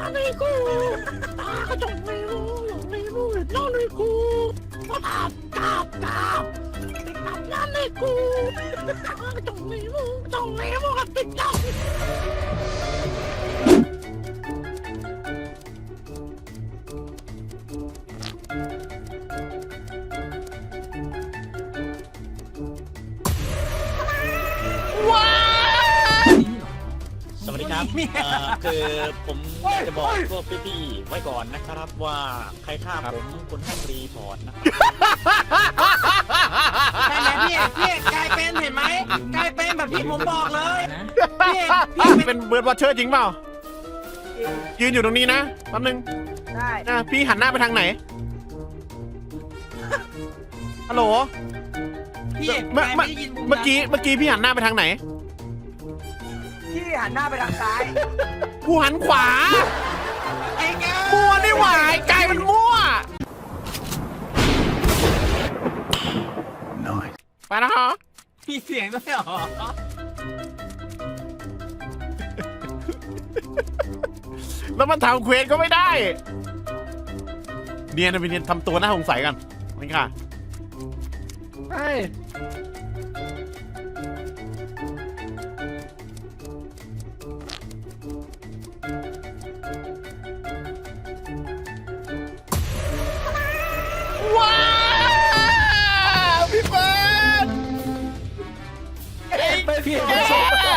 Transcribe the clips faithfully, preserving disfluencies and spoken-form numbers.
nanay ko! Nakakatong na yun! Yung may mo, nanay ko! Tap, tap, tap! Tap, nanay ko! Nakakatong na yun! Tong na yun, kapit lang! สวัสดีครับคือผมจะบอกพวกพี่ๆไว้ก่อนนะครับว่าใครฆ่าผมคนให้รีพอร์ตนะครับใช่ไหมพี่พี่กลายเป็นเห็นไหมกลายเป็นแบบที่ผมบอกเลยพี่พี่เป็นเบิร์ดวอชเชอร์จริงเปล่ายืนอยู่ตรงนี้นะแป๊บนึงได้นะพี่หันหน้าไปทางไหนฮัลโหลพี่เมื่อไม่ได้ยินเมื่อกี้เมื่อกี้พี่หันหน้าไปทางไหนพี่หันหน้าไปทางซ้ายกูหันขวาไอ้แกมั่วนี่หว่าไอ้ไก่มันมั่วไปนะฮะพี่เสียงด้วยเหรอแล้วมันทำเควสก็ไม่ได้เนียนนะพี่เนียนทำตัวน่าสงสัยกันนี่ค่ะใช่ว้าวพี่เบิร์ดไอ้พี่เบิร์ด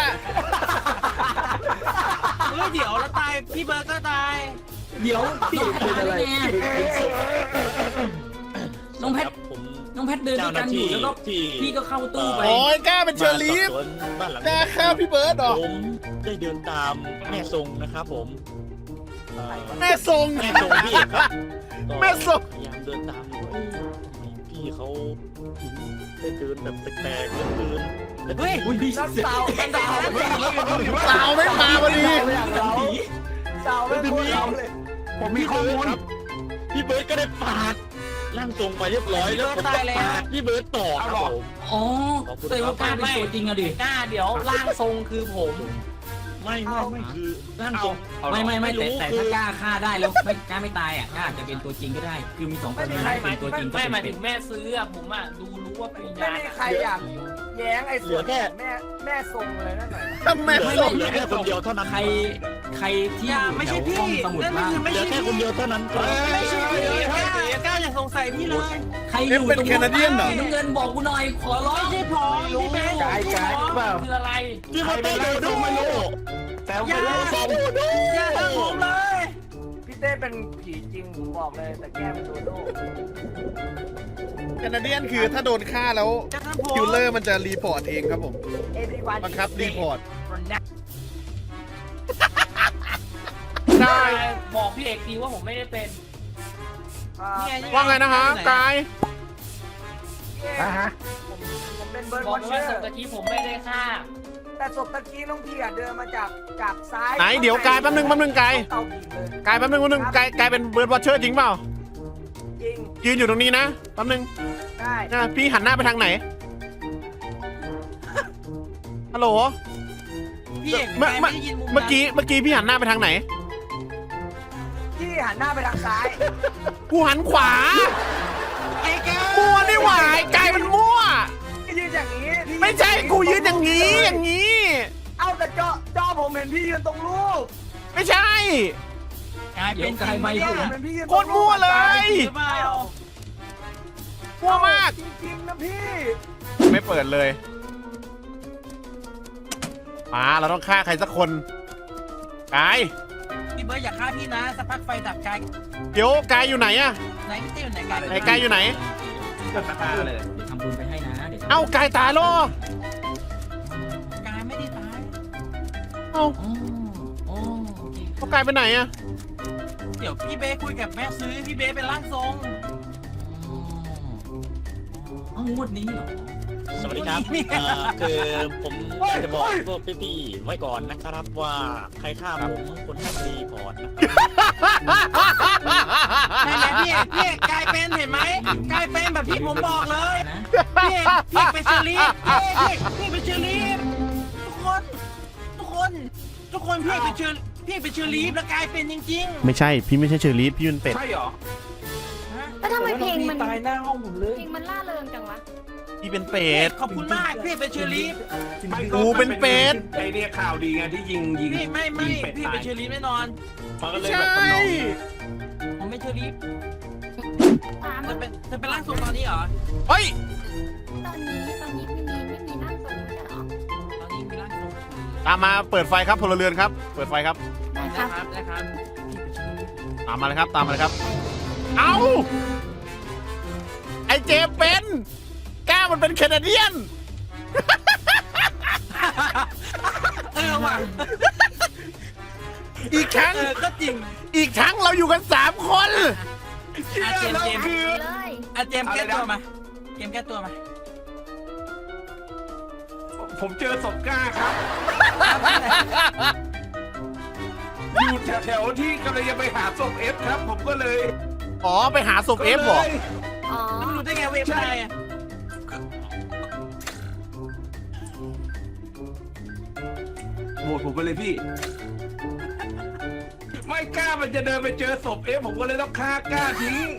เฮ้ยเดี๋ยวแล้วตายพี่เบิร์ดก็ตายเดี๋ยวพี่เป็นอะไรน้องแพทครับผมน้องแพทเดินด้วยกันอยู่แล้วก็ที่พี่ก็เข้าตู้ไปโอ้ยกล้าเป็นเชอรี่มาสอบสวนบ้านหลังกล้านี้ฆ่าพี่เบิร์ดเหรอผมได้เดินตามแม่ทรงนะครับผมเอ่อแม่ทรงแม่ทรงพี่ครับแม่ทรงพยายามเดินตามอยู่ว่าเอ้ยทำไมพี่เขาถึงได้เดินแบบแปลกๆเหลือเกินแล้วเฮ้ยอุ้ยพี่เสาเสาเสาสาวไม่มาพอดีเสาไม่พูดเราเลยผมมีข้อมูลครับพี่เบิร์ดก็ได้ปาดร่างทรงไปเรียบร้อยแล้วผมก็ปาดพี่เบิร์ดต่อครับผมอ๋อขอบคุณแสดงว่ากล้าเป็นตัวจริงอะดิกล้าเดี๋ยวร่างทรงคือผมไม่ไม่ไม่คือร่างทรงไม่ไม่ไม่แต่รู้แต่คือถ้ากล้าฆ่าได้แล้วไม่กล้าไม่ตายอ่ะกล้าอาจจะเป็นตัวจริงก็ได้ คือมีสองคนนี้เป็นตัวจริงก็ไม่หมายเป็ถึนงแม่ซื้ออะผมอะดูรู้ว่าเป็นไม่ยามีใครอยากแย้งไอ้ส่วนแม่แม่ทรงเลยนั่นหน่อยทำไมเหลือทรงเหลือแค่คนเดียวเท่านั้นใครใครที่อยู่ไม่แถใช่วพี่ห้องสมุดนั่นบ้างคือไม่เหลือใช่แค่คนเดียวเท่านั้นก็ไม่ใช่พี่กล้ากล้าอย่าสงสัยพี่เลยใครอยู่ตรงน้ำเงินบอกกูหน่อยขอร้องไม่ใช่ผมพี่เบสกายกายเปล่าคืออะไรพี่มาเต้นดูดูไม่รู้แต่อย่าไม่รู้ทำผมอย่าทำผมเลยพี่เต้เป็นผีจริงผมบอกเลยแต่แก้เป็นโดโด้แคนาเดียนคือถ้าโดนฆ่าแล้วจะทำผมคิลเลอร์มันจะรีพอร์ตเองครับผม Everyone บังคับรีพอร์ตได้ บอกพี่เอกดีว่าผมไม่ได้เป็นว่าไงนะฮะกายอ่ะฮะผมผมเป็นเบิร์ดบอวกอชเชว่าอศพร์ตะกี้ผมไม่ได้ฆ่าแต่ศพตะกี้น้องพี่อะเดินมาจากจากซ้ายไหนเดี๋ยวกายแป๊บนึงแป๊บนึงกายเตาผิดเลยกายแป๊บนึงแป๊บนึงกายกายเป็นเบิร์ดวอชเชอร์จริงเปล่าจริงยืนอยู่ตรงนี้นะแป๊บนึงได้นะพี่หันหน้าไปทางไหนฮัลโหลพี่เอกเมื่อเมื่อไม่ได้ยินมุมเมื่อกี้เมื่อกี้พี่หันหน้าไปทางไหนพี่หันหน้าไปทางซ้ายกูหันขวาไอ้แกมั่วนี่หว่าไอ้ไก่มันมั่วพี่ยืนอย่างนี้พี่ไม่ใช่กูยืนอย่างนี้อย่างนี้เอาแต่จอจอผมเห็นพี่ยืนตรงรูปไม่ใช่เดี๋ยวกายไม่เนี่ยพูดผมนะเห็นพี่ยืนโคตรมั่วเลยหรือเปล่ามั่วมากจริงๆนะพี่ไม่เปิดเลยมาเราต้องฆ่าใครสักคนกายพี่เบิร์ดอย่าฆ่าพี่นะสักพักไฟดับกายเดี๋ยวกายอยู่ไหนอะไหนพี่เต้อยู่ไหนกายไหนกายอยู่ไหนตัดตาเลยเดี๋ยวทำบุญไปให้นะเดี๋ยวเอ้ากายตายแล้วกายไม่ได้ตายเอ้าอ๋ออ๋อโอเคเขากายไปไหนอะเดี๋ยวพี่เบสคุยกับแม่ซื้อพี่เบสเป็นร่างทรงอ๋องวดนี้เหรอสวัสดีครับเอ่อคือผมจะบอกพวกพี่ๆไว้ก่อนนะครับว่าใครฆ่าผมคนให้รีพอร์ตนะครับใช่ไหมพี่เอกพี่เอกกลายเป็นเห็นไหมกลายเป็นแบบที่ผมบอกเลยนะพี่เอกพี่เอกเป็นเชอรี่พี่เอกพี่เอกเป็นเชอรี่ทุกคนทุกคนทุกคนพี่เอกเป็นเชอรี่พี่เป็นเชอรีฟแล้วกลายเป็นจริงไม่ใช่พี่ไม่ใช่เชอรี่พี่เป็นเป็ดใช่เหรอๆฮะแล้วทำไมเพลงมันตายหน้าห้องผมเลยเพลงมันล่าเริงจังวะพี่เป็นเป็ดขอบคุณมากพี่เป็นเชอรีฟไม่กูเป็นเป็ดไอเนี่ยข่าวดีไงที่ยิงยิงพี่ไม่ไม่ยิงเป็ดพี่ตายเป็นเชอรีฟแน่นอนมันก็เลยแบบทำนองนี้ผมเป็นเชอรีฟตามเธอเป็นเธอเป็นร่างทรงตอนนี้เหรอเฮ้ยตอนนี้ตอนนี้ไม่มีไม่มีนั่งตรงไม่ใช่เหรอตอนนี้มีร่างทรงตามมาเปิดไฟครับพลเรือนครับ เปิดไฟครับได้คนะรับครับนะครับตามมาเลยครับตามมาเลยครับ เอ้าไอเจมส์เป็นก้ามันเป็นแคนาเดียนเออว่ะอีกครั้งเออก็จริงอีกครั้งเราอยู่กันสามคนอาเจมส์เจมส์คือเลยอาเจมส์แก้ตัวมาเจมส์แก้ตัวมาผมเจอศพกล้าครับ อยู่แถวๆที่กำลังจะไปหาศพเอฟครับ ผมก็เลยอ๋อไปหาศพเอฟเหรออ๋อแล้วมันรู้ได้ไงเว็บไซต์อะโหวตผมไปเลยพี่ ไม่กล้ามันจะเดินไปเจอศพเอฟผมก็เลยต้องฆ่ากล้าทิ้ง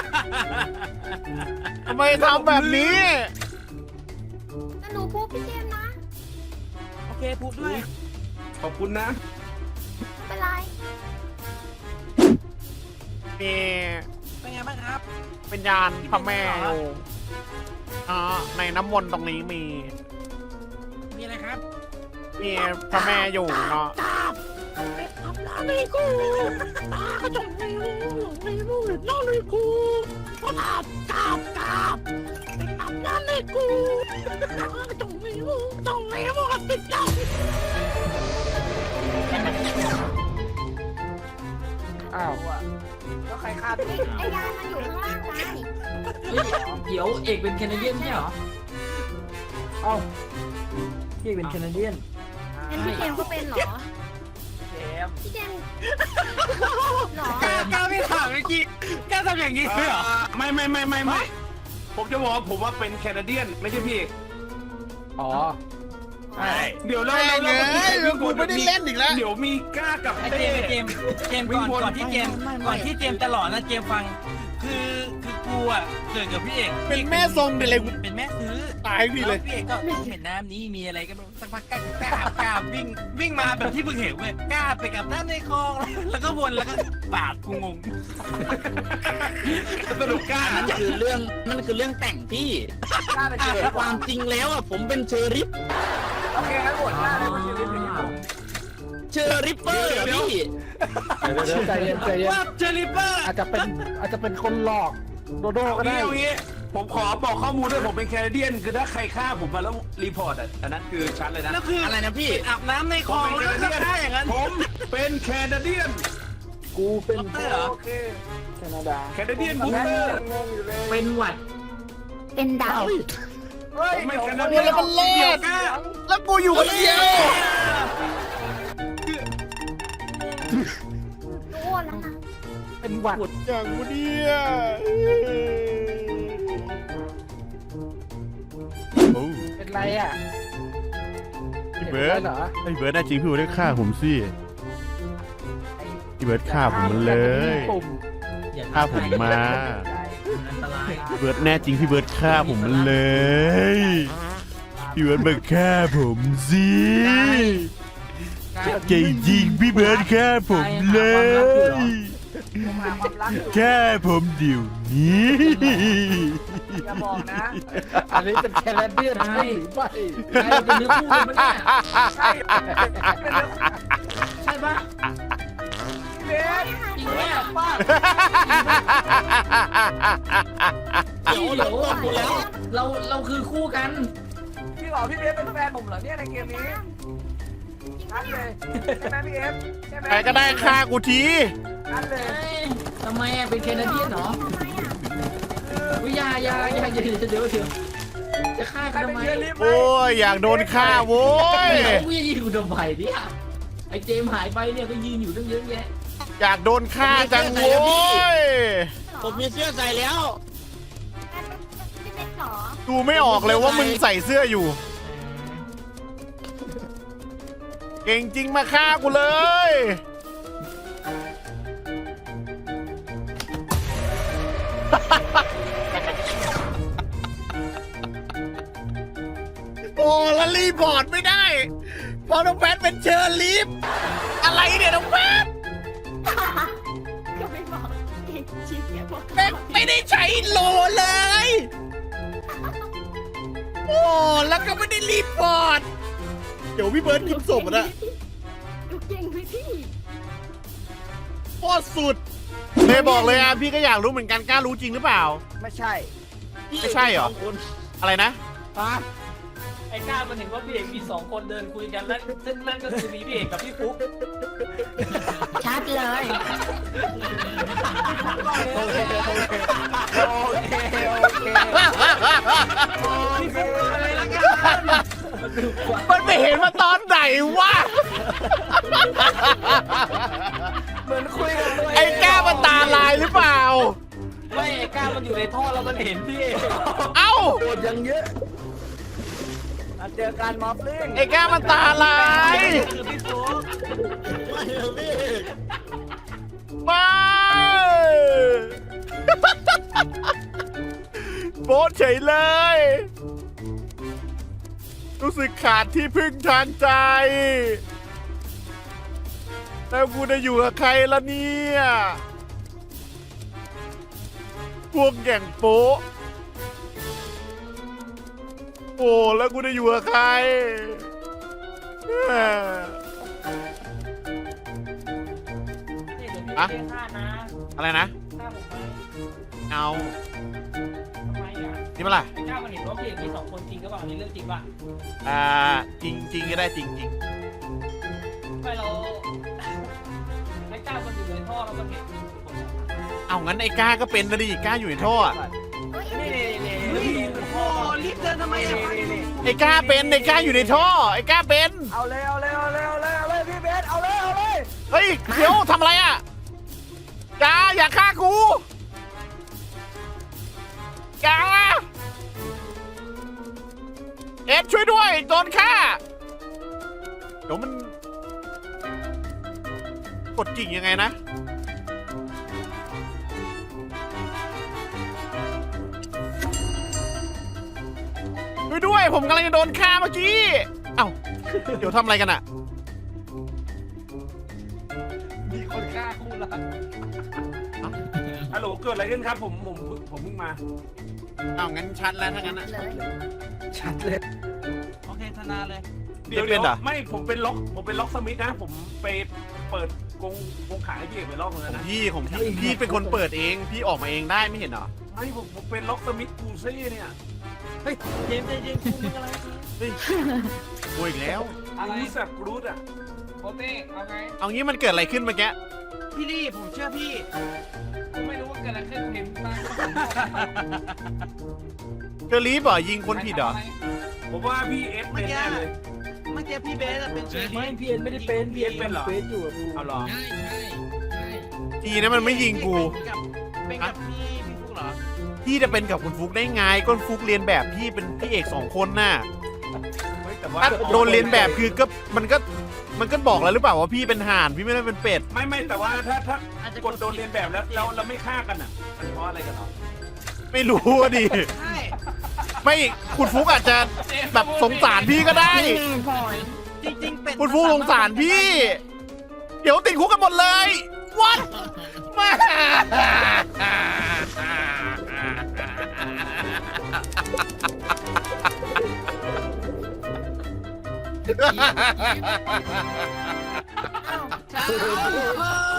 ทำไมทำแบบนี้แล้วหนูพูดพี่เจมส์นะโอเคพูดด้วยขอบคุณนะไม่เป็นไรมีเป็นไงบ้างครับเป็นยานพระแม่อยู่อ๋อในน้ำมนต์ตรงนี้มีมีอะไรครับมีพระแม่อยู่เนาะกราบไปทำร้านเลยกูตากระจกไม่รู้หลงไม่รู้เห็นน้องเลยกูกราบกราบกราบไปทำร้านเลยกูตากระจกไม่รู้จงไม่รู้กับติดใจอ้าวแล้วใครฆ่าพี่ไอ้ยานมันอยู่ข้างล่างไงเฮ้ยเดี๋ยวเอกเป็นแคนาเดียนไม่ใช่เหรอเอ้าพี่เป็นแคนาเดียนงั้นพี่เจมส์ก็เป็นเหรอเจมส์พี่เจมส์เหรอกล้ากล้าไม่ถามเมื่อกี้กล้าทำอย่างนี้ด้วยเหรอไม่ไม่ไม่ไม่ไม่ผมจะบอกว่าผมว่าเป็นแคนาเดียน ไม่ใช่พี่เอกอ๋อใช่เดี๋ยวเราแม่เรางเราเอ้ยกูไม่ได้เล่นอีกแล้วเดี๋ยวมีกล้ากับไอ้เต้เจมส์ไอ้เจมส์เจมส์ก่อนก่อนที่เจมส์ก่อนที่เจมส์จะหลอนนะเจมส์ฟัง คือคือกูอ่ะเกิดกับพี่เอกเป็นแม่ทรงเป็นอะไรกูเป็นแม่ซื้อตายพี่เลยแวพี่เอกก็เห็นน้ำนี้มีอะไรก็ไม่รู้สักพักกล้ากล้ากล้าวิ่งวิ่งมาแบบที่เพิ่งเห็นเว้ยกล้าไปกับน้ำในคลองแล้วก็วนแล้วก็ปาดกูงงสรุปกล้านั่นคือเรื่องนั่นคือเรื่องแต่งพี่กล้าเป็นเชอแต่รี่ความจริงแล้วอ่ะผมเป็นเชอริฟโอเคงั้นโหวตกล้าเลยว่าเชอรี่เป็นผมเชอริปเปอร์อะพี่เดี๋ยวใจเย็นใจเย็นว่าเจอริปเปอร์อาจจะเป็นอาจจะเป็นคนหลอกโดโดก็เอาได้งี้เอางี้ผมขอบอกข้อมูลด้วยผมเป็นแคนาเดียน คือถ้าใครฆ่าผมมาแล้วรีพอร์ตอ่ะอันนั้นคือชัดเลยนะแล้วคืออะไรนะพี่อาบน้ำในคลองแล้วก็ฆ่าอย่างนั้นผมเป็นแคนาเดียนกูเป็นด็อกเตอร์เหรอโอเคแคนาดาแคนาเดียนบูสเตอร์งงอยู่เลยเป็นหวัดเป็นดาวเฮ้ยผมไม่เดี๋ยวแคนาเดียนแล้วมันเล่นแล้วกูอยู่คนเดียวรู้แล้วนะเป็นหวัดปวดอย่างกูเนี่ยโอ้เป็นไรอ่ะพี่เบิร์ดห็นไรเหรอไอ้เบิร์ดน่าจริงพี่เบิร์ดได้ฆ่าผมสิพี่เบิร์ดฆ่าผมมันเลยปุ่มอย่าฆ่าผมมาอันตรายพี่เบิร์ดแน่จริงพี่เบิร์ดฆ่าผมมันเลยพี่เบิร์ดมาฆ่าผมสิเก่งจริงพี่เบิร์ดฆ่าผมเลยผมหาความรักอยู่ฆ่าผมเดี๋ยวนี้อย่าบอกนะ อันนี้เป็นแคนาเดียนใช่หรือไม่ใช่เป็นเนื้อคู่กันปะเนี่ยใช่เป็นเรื่องใช่ปะเบสจริงไหมอะป้าเดี๋ยวเดี๋ยวเราเราคือคู่กันพี่บอกพี่เบสเป็นแฟนผมเหรอเนี่ยในเกมนี้นั่นเลยใช่ไหมพี่เอฟใช่ไหมใครก็ได้ฆ่ากูทีนั่นเลยเอ้ยทำไมอะเป็นแคนาเดียนเหรอทำไมอ่ะวิยาอยาอยาอย่าเดี๋ยวเดี๋ยวเดี๋ยวจะฆ่าใครกันเป็นทำไมเชอรี่ไหมโอ้ยอยากโดนฆ่าโว้ยเขายืนอยู่ทำไมเนี่ยไอเจมส์หายไปเนี่ยก็ยืนอยู่ตั้งเยอะแยะอยากโดนฆ่าจังโว้ยผมมีเสื้อใส่แล้วพี่เล็กเหรอดูไม่ออกเลยว่ามึงใส่เสื้ออยู่ เก่งจริงมาฆ่ากูเลยเโอ้แล้วรีพอร์ตไม่ได้เพอน้องแพทเป็นเชอร์ลีฟอะไรเนี่ยน้องแพทก็ไม่บอกเองชิคเนี่ยบอกแม่งไม่ได้ใช้โลเลย โอ้แล้วก็ไม่ได้รีพอร์ตเดี๋ยวพี่เบิร์ดกินศพนะดูเก่งไปพี่โคตรสุดเลยบอกเลยอ่ะพี่ก็อยากรู้เหมือนกันกล้ารู้จริงหรือเปล่าไม่ใช่ไม่ใช่เหรอ อะไรนะไอ้ก้ามันเห็นว่าพี่เอกมีสองคนเดินคุยกันแล้วซึ่งนั่นก็คือมีพี่เอกกับพี่ฟุ๊กชัดเลยโอเคโอเคโอเคโอเคพี่ฟุ๊กอะไรละกันมันไม่เห็นมาตอนไหนวะเหมือนคุยกับตัวเองไอ้แก้วมันตาลายหรือเปล่าไม่ไอ้ก้ามันอยู่ในท่อแล้วมันเห็นพี่เอกเอ้าโดดยังเยอะอ่ะเจอการมอฟลิงไอ้แก้วมันตาลายคือพี่ฟุ๊กไม่ โบ๊ทเฉยเลย รู้สึกขาดที่พึ่งทางใจ แล้วกูจะอยู่กับใครล่ะเนี่ย พวกแก่งโป๊ะโอ้แล้วกูจะอยู่กับใครเอ้อนี่เดี๋ยวพี่อะเอกฆ่านะอะไรนะฆ่าผมไหมเอาทำไมอ่ะนี่มาล่ะไอ้ก้ามันเห็นว่าพี่เอกมีสองคนจริงก็เปล่านี่เรื่องจริงป่ะอ่า จริงจริงก็ได้จริงจริงไม่เราไอ้ก้ามันอยู่ในท่อแล้วมันเห็นเอางั้นไอ้ก้าก็เป็นนะดิก้าอยู่ในท่ออะนี่นี่นี่เฮ้ยโอ้รีบเดินทำไมอ่ะไอ้ก้าเป็นไอ้ก้าอยู่ในท่อไอ้ก้าเป็นเอาเลยเอาเลยเอาเลยเอาเลยเอาเลยพี่เบสเอาเลยเอาเลยเฮ้ยเดี๋ยวทำอะไรอ่ะจ้าอย่าฆ่ากูจ้าเอ็ดช่วยด้วยโดนฆ่าเดี๋ยวมันกดจริงยังไงนะช่วยด้วยผมกำลังจะโดนฆ่าเมื่อกี้เอ้าเดี๋ยวทำอะไรกันอะมีคนฆ่าคู่รักฮัลโหลเกิดอะไรขึ้นครับผมผมผมเพิ่งมาอ้าวงั้นชัดแล้วถ้างั้นอะเลยชัดเลยโอเคธนาเลยเดี๋ยวเป็เดี๋นยวเหรอไม่ผมเป็นล็อกผมเป็นล็อกสมิธนะ ผมไปเปิดกรงกรงขายให้พี่เอกไปรอบนึงแล้วนะพี่ของพี่พี่เป็นคนเปิดเองพี่ออกมาเองได้ไม่เห็นเหรอไม่ผมผมเป็นล็อกสมิธกูซี่เนี่ยเจมส์ใจเย็นคุณมึงอะไรเฮ้ยโวยอีกแล้วอะไรรู้สักรูทอ่ะโคเต้เอาไงเอางี้มันเกิดอะไรขึ้นเมื่อกี้พี่ลี่ผมเชื่อพี่กูไม่รู้ว่าเกิดอะไรขึ้นเห็นมาเจอรีบเหรอยิงคนผิดเหรอผมว่าพี่เอสเป็นแน่เลยเมื่อกี้พี่เบสอะเป็นเชอร์ไม่พี่เอ็นไม่ได้เป็นพี่เอ็นเป็นเหรอเป็นอยู่เอาเหรอทีนะมันไม่ยิงกูเป็นกับพี่พี่ฟุ๊กเหรอพี่จะเป็นกับคุณฟุกได้ไงก้นฟุกเรียนแบบพี่เป็นพี่เอกสองคนน่ะเฮ้ยแต่ว่าถ้าโดนเรียนแบบคือก็มันก็มันก็บอกแล้วหรือเปล่าว่าพี่เป็นห่านพี่ไม่ได้เป็นเป็ดไม่ไม่แต่ว่าถ้าถ้าอาจจะกดโดนเรียนแบบแล้วเราเราไม่ฆ่ากันอ่ะมันเพราะอะไรกันเนาะไม่รู้อะดิใช่ไม่คุณฟุกอาจจะแบบสงสารพี่ก็ได้จริงๆเป็นคุณฟุกสงสารพี่ เดี๋ยวติดคุกกันหมดเลยวัดมาอ้าว